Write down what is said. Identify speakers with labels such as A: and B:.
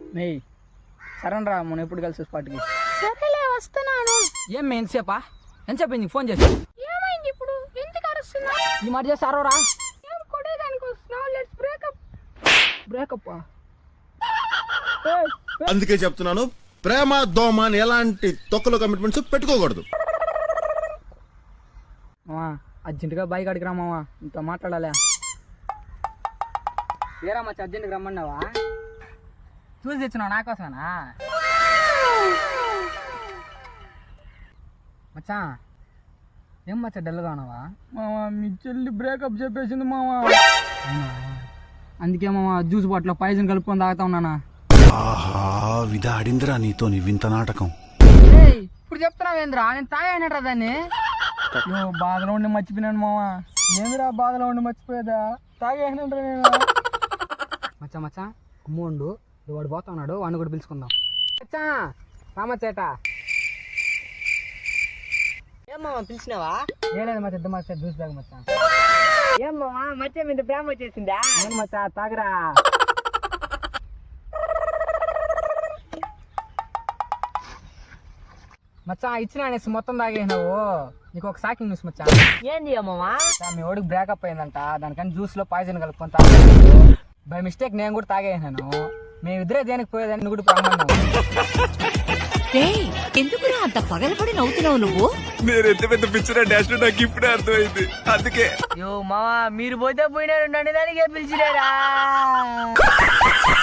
A: మేయ్ సరేనరా మనం ఎప్పుడు కలిసి స్పాట్కి.
B: సరేలే వస్తున్నాను.
A: ఏం మే ఎంతసేపా? ఎంతసేపు నీకు ఫోన్ చేసి?
B: ఏమైంది ఇప్పుడు? ఎందుకు అరుస్తున్నావు?
A: ఈ మాట చేసి అరవరా?
B: ఏం కొట్టేదానికి వస్తున్నావు? Let's breakup.
A: బ్రేకప్
C: అందుకే చెప్తున్నాను, ప్రేమ దోమ అని ఎలాంటి తొక్కలో కమిట్మెంట్స్ పెట్టుకోకూడదు.
A: అర్జెంటుగా బైక్ అడిగి రామావా, ఇంత మాట్లాడాలా? ఏరా మచ్చ అర్జెంటుగా రమ్మన్నావా? చూసి తెచ్చినావు నా కోసమేనా? మచ్చా ఏం మచ్చా డల్గా ఉన్నావా? మావా మీ చెల్లి బ్రేకప్ చెప్పేసింది మావా. అందుకే మావా జ్యూస్ బాటిల్ పాయిజన్ కలుపుకొని తాగుతా ఉన్నానా.
D: ఆహా విధాడిందిరా నీతో నీ వింత నాటకం.
A: ఇప్పుడు చెప్తున్నావేంద్రా, నేను తాగానట్రా దాన్ని. బాధలో ఉండి మర్చిపోయినాను మావా. ఏందిరా బాధలో ఉండి మర్చిపోయేదా? తాగేనంటారా నేను. మచ్చా మచ్చా అమ్ముండు, వాడు పోతా ఉన్నాడు, వాడిని కూడా పిలుచుకుందాం. మచ్చా రామచ్చేట.
B: ఏమ్మా పిలిచినావా?
A: ఏలేదు మచ్చా, ఇద్దరు మచ్చా జ్యూస్ తాగు మచ్చా.
B: ఏమ్మా మధ్య మీద ప్రేమ వచ్చేసిందా?
A: అవును మచ్చా తాగరా. మచ్చా ఇచ్చిన అనేసి మొత్తం తాగేసినావు. నీకు ఒక షాకింగ్ న్యూస్ మచ్చా.
B: ఏంది అమ్మమ్మా?
A: మీ వాడికి బ్రేకప్ అయిందంట, దానికని జ్యూస్ లో పాయిజన్ కలుపుకొని తాగేసాను. బై మిస్టేక్ నేను కూడా తాగేసాను. మేమిద్దరే దేనికి పోయేదాన్ని కూడా ప్రమాదం.
E: ఎందుకురా అంత పగలపడి నవ్వుతున్నావు నువ్వు?
D: నేను ఎంత పెద్ద పిచ్చర్ డాష్ నాకు ఇప్పుడే అర్థమైంది. అందుకే
B: యో మావా మీరు పోతే పోయినారు, నన్ను దానికే పిలిచినారా?